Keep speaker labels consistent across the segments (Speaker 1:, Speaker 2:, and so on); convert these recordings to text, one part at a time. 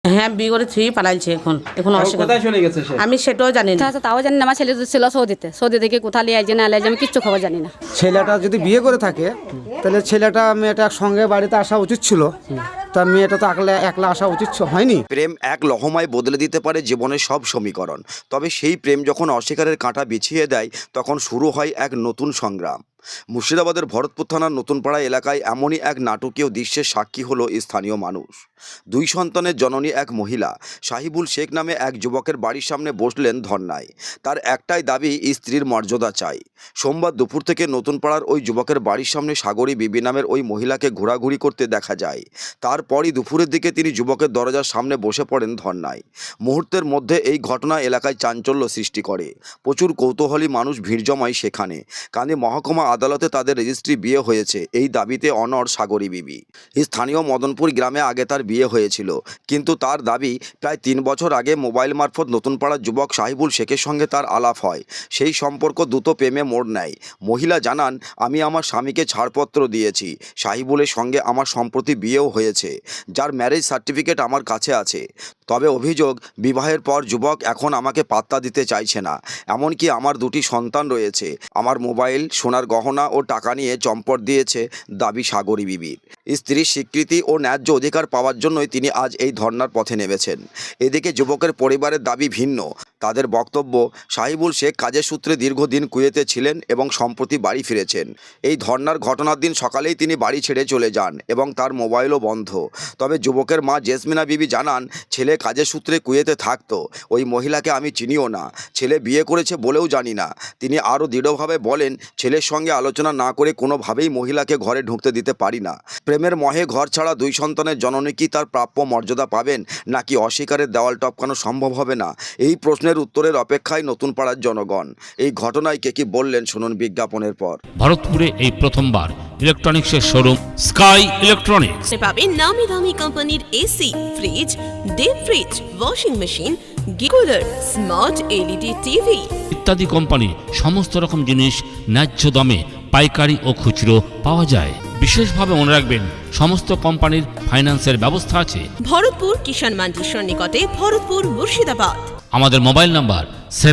Speaker 1: হ্যাঁ, বিয়ে করে থুই পালাইছে এখন অস্বীকার।
Speaker 2: কোথায় চলে গেছে সে?
Speaker 1: আমি সেটাও জানি না।
Speaker 3: তাও জানি না। আমার ছেলে ছিল সৌদি থেকে কোথায় লিয়ে আইছে না লিয়ে আমি কিচ্ছু খবর জানি না।
Speaker 4: ছেলেটা যদি বিয়ে করে থাকে তাহলে ছেলেটা মেয়েটা সঙ্গে বাড়িতে আসা উচিত ছিল, তা মেয়েটা তো একলা আসা উচিত হয়নি।
Speaker 5: প্রেম এক লহমায় বদলে দিতে পারে জীবনের সব সমীকরণ, তবে সেই প্রেম যখন অস্বীকারের কাঁটা বিছিয়ে দেয় তখন শুরু হয় এক নতুন সংগ্রাম। মুর্শিদাবাদের ভরতপুর থানার নতুনপাড়া এলাকায় এমনই এক নাটকীয় দৃশ্যের সাক্ষী হলো স্থানীয় মানুষ। 2 সন্তানের জননী এক মহিলা সাহিবুল শেখ নামে এক যুবকের বাড়ির সামনে বসলেন ধর্নায়। তার একটাই দাবি, স্ত্রীর মর্যাদা চাই। সোমবার দুপুর থেকে নতুনপাড়ার ওই যুবকের বাড়ির সামনে সাগরী বিবি নামের ওই মহিলাকে ঘোরাঘুরি করতে দেখা যায়। তারপরই দুপুরের দিকে তিনি যুবকের দরজার সামনে বসে পড়েন ধর্নায়। মুহূর্তের মধ্যে এই ঘটনা এলাকায় চাঞ্চল্য সৃষ্টি করে। প্রচুর কৌতূহলী মানুষ ভিড় জমায় সেখানে। কানে মহকুমা আদালতে তাদের রেজিস্ট্রি বিয়ে হয়েছে এই দাবিতে অনড় সাগরী বিবি। স্থানীয় মদনপুর গ্রামে আগে তার বিয়ে হয়েছিল, কিন্তু তার দাবি প্রায় 3 বছর আগে মোবাইল মারফত নতুনপাড়ার যুবক সাহিবুল শেখের সঙ্গে তার আলাপ হয়। সেই সম্পর্ক দ্রুত প্রেমে মোড় নেয়। মহিলা জানান, আমি আমার স্বামীকে ছাড়পত্র দিয়েছি। সাহিবুলের সঙ্গে আমার সম্প্রতি বিয়েও হয়েছে, যার ম্যারেজ সার্টিফিকেট আমার কাছে আছে। তবে অভিযোগ, বিবাহের পর যুবক এখন আমাকে পাত্তা দিতে চাইছে না। এমনকি আমার 2টি সন্তান রয়েছে। আমার মোবাইল, সোনার গহনা ও টাকা নিয়ে চম্পট দিয়েছে দাবি সাগরী বিবির। স্ত্রীর স্বীকৃতি ও ন্যায্য অধিকার পাওয়ার জন্যই তিনি আজ এই ধর্নার পথে নেমেছেন। এদিকে যুবকের পরিবারের দাবি ভিন্ন। তাদের বক্তব্য, সাহিবুল শেখ কাজের সূত্রে দীর্ঘদিন কুয়েতে ছিলেন এবং সম্প্রতি বাড়ি ফিরেছেন। এই ধর্নার ঘটনার দিন সকালেই তিনি বাড়ি ছেড়ে চলে যান এবং তার মোবাইলও বন্ধ। তবে যুবকের মা জেসমিনা বিবি জানান, ছেলে কাজের সূত্রে কুয়েতে থাকতো। ওই মহিলাকে আমি চিনিও না, ছেলে বিয়ে করেছে বলেও জানি না। তিনি আরও দৃঢ়ভাবে বলেন, ছেলের সঙ্গে আলোচনা না করে কোনোভাবেই মহিলাকে ঘরে ঢুকতে দিতে পারি না। প্রেমের মহে ঘর ছাড়া 2 সন্তানের জননী কি তার প্রাপ্য মর্যাদা পাবেন, নাকি অস্বীকারের দেওয়াল টপকানো সম্ভব হবে না? এই প্রশ্নের উত্তরের অপেক্ষায় নতুনপাড়ার জনগণ। এই ঘটনায় কে কি বললেন শুনুন বিজ্ঞাপনের পর।
Speaker 6: ভারতপুরে এই প্রথমবার ইলেকট্রনিক্সের শোরুম স্কাই ইলেকট্রনিক্স
Speaker 7: পাবেন নামি দামি কোম্পানির AC, fridge, deep fridge, washing machine, গিকুলার, স্মার্ট এলইডি টিভি
Speaker 6: ইত্যাদি কোম্পানি সমস্ত রকম জিনিস ন্যায্য দামে পাইকারি ও খুচরো পাওয়া যায়। বিশেষভাবে মনে রাখবেন, সমস্ত কোম্পানির ফাইন্যান্সের ব্যবস্থা আছে।
Speaker 7: ভরতপুর কিষাণ মান্ডির সন্নিকটে, ভরতপুর, মুর্শিদাবাদ।
Speaker 6: আমাদের মোবাইল নাম্বার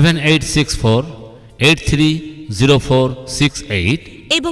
Speaker 6: 7864830468
Speaker 7: এবং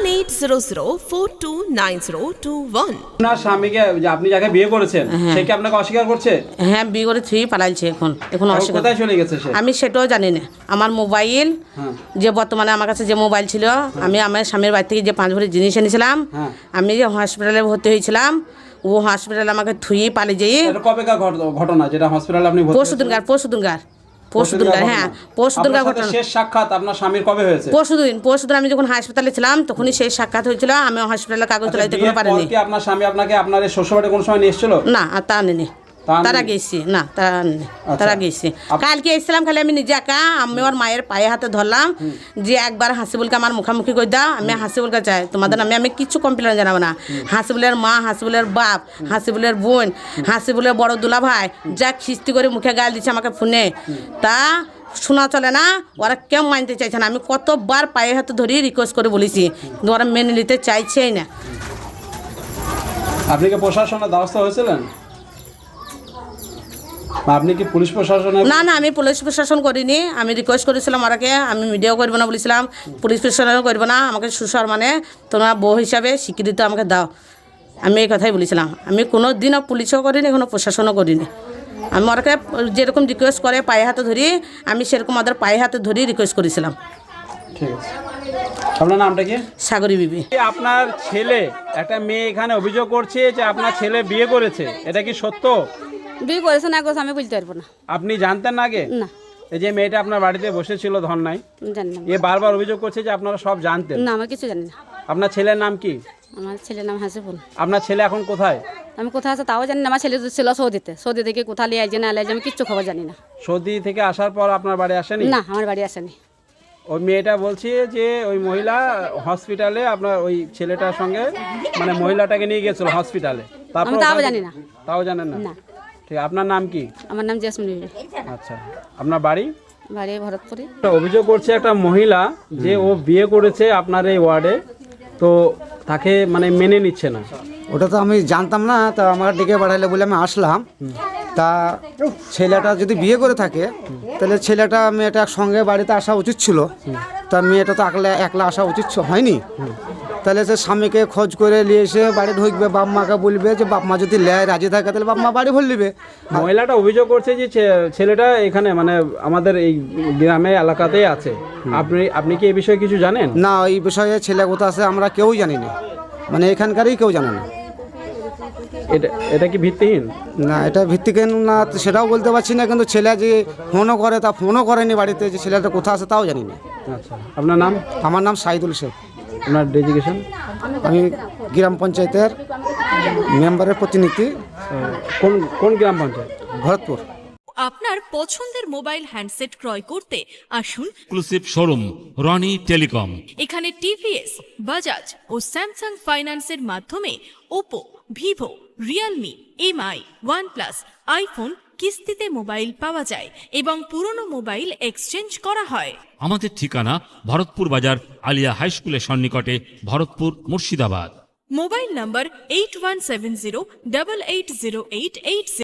Speaker 7: 9800429021।
Speaker 2: আপনার স্বামীকে যে আপনি যাকে বিয়ে করেছেন সে কি আপনাকে অস্বীকার করছে?
Speaker 1: হ্যাঁ, বিয়ে করে থুই পালাইছে এখন অস্বীকার।
Speaker 2: কোথায় চলে গেছে সে?
Speaker 1: আমি সেটাও জানি না। আমার মোবাইল, যে বর্তমানে আমার কাছে যে মোবাইল ছিল, আমি আমার স্বামীর বাড়ি থেকে যে 5 ভরি জিনিস এনেছিলাম, আমি যে হসপিটালে ভর্তি হয়েছিলাম, ও হসপিটালে আমাকে থুই পালিয়ে যাই।
Speaker 2: কবেকার ঘটনা যেটা হসপিটালে আপনি ভর্তি?
Speaker 1: পরশুদিনকার হ্যাঁ, পরশুদিনকার ঘটনা।
Speaker 2: শেষ সাক্ষাৎ আপনার স্বামীর কবে হয়েছে?
Speaker 1: পরশুদিন আমি যখন হাসপাতালে ছিলাম তখনই শেষ সাক্ষাৎ হয়েছিল। আমি হসপিটালে কাগজ তোলাইতে কোনো পারিনি।
Speaker 2: কি আপনার স্বামী আপনাকে আপনার শ্বশুরবাড়ি কোন সময় নিয়ে এসেছিল?
Speaker 1: না, আর তা আনেনি। তারা গেছি না, তারা গেছি। কালকে এসেছিলাম, খালি আমি নিজে একা। আমি ওর মায়ের পায়ে হাতে ধরলাম যে একবার হাসিবুলকে আমার মুখামুখি করে দাও। আমি হাসিবুলকে চাই, তোমাদের আমি কিছু কমপ্লেন জানাবো না। হাসিবুলের মা, হাসিবুলের বাপ, হাসিবুলের বোন, হাসিবুলের বড় দুলা ভাই যা খিস্তি করে মুখে গাল দিচ্ছে আমাকে ফোনে, তা শোনা চলে না। ওরা কেউ মানতে চাইছে না। আমি কতবার পায়ে হাতে ধরিয়ে রিকোয়েস্ট করে বলেছি, ওরা মেনে নিতে চাইছেই না।
Speaker 2: আপনি কি প্রশাসনের দ্বারস্থ হয়েছিলেন? আপনি কি পুলিশ প্রশাসনে?
Speaker 1: না, আমি পুলিশ প্রশাসন করিনি। আমি রিকোয়েস্ট করেছিলাম ওরাকে, আমি মিডিয়াও করবো না বলেছিলাম, পুলিশ প্রশাসনও করবো না। আমাকে শ্বশুর মানে তোমরা বউ হিসাবে স্বীকৃতি আমাকে দাও, আমি এই কথাই বলেছিলাম। আমি কোনো দিনও পুলিশও করিনি, কোনো প্রশাসনও করিনি। আমি ওরাকে যেরকম রিকোয়েস্ট করে পায়ে হাতে ধরি, আমি সেরকম ওদের পায়ে হাতে ধরি রিকোয়েস্ট করেছিলাম।
Speaker 2: ঠিক আছে। আপনার নামটা কি?
Speaker 1: সাগরী বিবি।
Speaker 2: আপনার ছেলে, একটা মেয়ে এখানে অভিযোগ করছে যে আপনার ছেলে বিয়ে করেছে, এটা কি সত্য?
Speaker 3: বিয়ে করেছে না করেছে আমি বলতে পারবো না।
Speaker 2: আপনি জানতেন না আগে?
Speaker 3: না।
Speaker 2: এই যে মেয়েটা আপনার বাড়িতে বসেছিল ধর্নায়,
Speaker 3: জানি না।
Speaker 2: এ বারবার অভিযোগ করছে যে আপনারা সব জানতেন।
Speaker 3: না, আমি কিছু জানি না।
Speaker 2: আপনার ছেলের নাম কি?
Speaker 3: আমার ছেলের নাম হাসিবুল।
Speaker 2: আপনার ছেলে এখন কোথায়?
Speaker 3: আমি কোথায় আছে তাও জানি না। আমার ছেলে ছিল সৌদি থেকে কোথায় লিয়ে আইছে না লিয়ে আইছে আমি কিচ্ছু খবর জানি না।
Speaker 2: সৌদি থেকে আসার পর আপনার বাড়ি আসেনি?
Speaker 3: না, আমার বাড়ি আসেনি।
Speaker 2: ওই মেয়েটা বলছে যে ওই মহিলা হসপিটালে আপনার ওই ছেলেটার সঙ্গে মানে মহিলাটাকে নিয়ে গেছিল হসপিটালে।
Speaker 3: আমি তাও জানি না।
Speaker 2: তাও জানেন না?
Speaker 3: না।
Speaker 2: ঠিক। আপনার নাম কি?
Speaker 3: আমার নাম জেসমিন বিবি।
Speaker 2: আচ্ছা। আপনার বাড়ি?
Speaker 3: বাড়ি ভরতপুরে।
Speaker 2: অভিযোগ করছে একটা মহিলা যে ও বিয়ে করেছে আপনার এই ওয়ার্ডে, তো তাকে মানে মেনে নিচ্ছে না।
Speaker 4: ওটা তো আমি জানতাম না, তা আমার ডেকে পাঠাইলে বলে আমি আসলাম। তা ছেলেটা যদি বিয়ে করে থাকে তাহলে ছেলেটা মেয়েটা সঙ্গে বাড়িতে আসা উচিত ছিল, তা মেয়েটা তো একলা আসা উচিত হয়নি। তাহলে সে স্বামীকে খোঁজ করে নিয়ে এসে বাড়ি ঢুকবে, বাপ মাকে বলবে যে বাপ মা যদি লেয় রাজি থাকে তাহলে বাপ মা বাড়ি ভরে নেবে।
Speaker 2: মহিলাটা অভিযোগ করছে যে ছেলেটা এখানে মানে আমাদের এই গ্রামে এলাকাতেই আছে। আপনি কি এই বিষয়ে কিছু জানেন?
Speaker 4: না, এই বিষয়ে ছেলে কোথা আছে আমরা কেউই জানি না, মানে এখানকারই কেউ জানে না।
Speaker 2: এটা কি ভিত্তিহীন?
Speaker 4: না, এটা ভিত্তিহীন না সেটাও বলতে পারছি না, কিন্তু ছেলে যে ফোনও করে তা ফোনও করেনি বাড়িতে, যে ছেলেটা কোথা আছে তাও জানি না।
Speaker 2: আচ্ছা, আপনার নাম?
Speaker 4: আমার নাম সাইদুল শেখ।
Speaker 2: আপনার ডেজিগনেশন?
Speaker 4: আমি গ্রাম পঞ্চায়েতের মেম্বারের প্রতিনিধি।
Speaker 2: কোন গ্রাম পঞ্চায়েত?
Speaker 4: ভরতপুর।
Speaker 8: আপনার পছন্দের মোবাইল হ্যান্ডসেট ক্রয় করতে আসুন
Speaker 6: এক্সক্লুসিভ শোরুম রনি টেলিকম।
Speaker 8: এখানে টিভিএস, বাজাজ ও স্যামসাং ফাইন্যান্সের মাধ্যমে Oppo, Vivo, Realme, MI, OnePlus, iPhone কিস্তিতে মোবাইল পাওয়া যায় এবং পুরনো মোবাইল এক্সচেঞ্জ করা হয়।
Speaker 6: আমাদের ঠিকানা ভরতপুর বাজার আলিয়া হাই স্কুলের সন্নিকটে, ভরতপুর, মুর্শিদাবাদ।
Speaker 8: মোবাইল নম্বর 8170880880।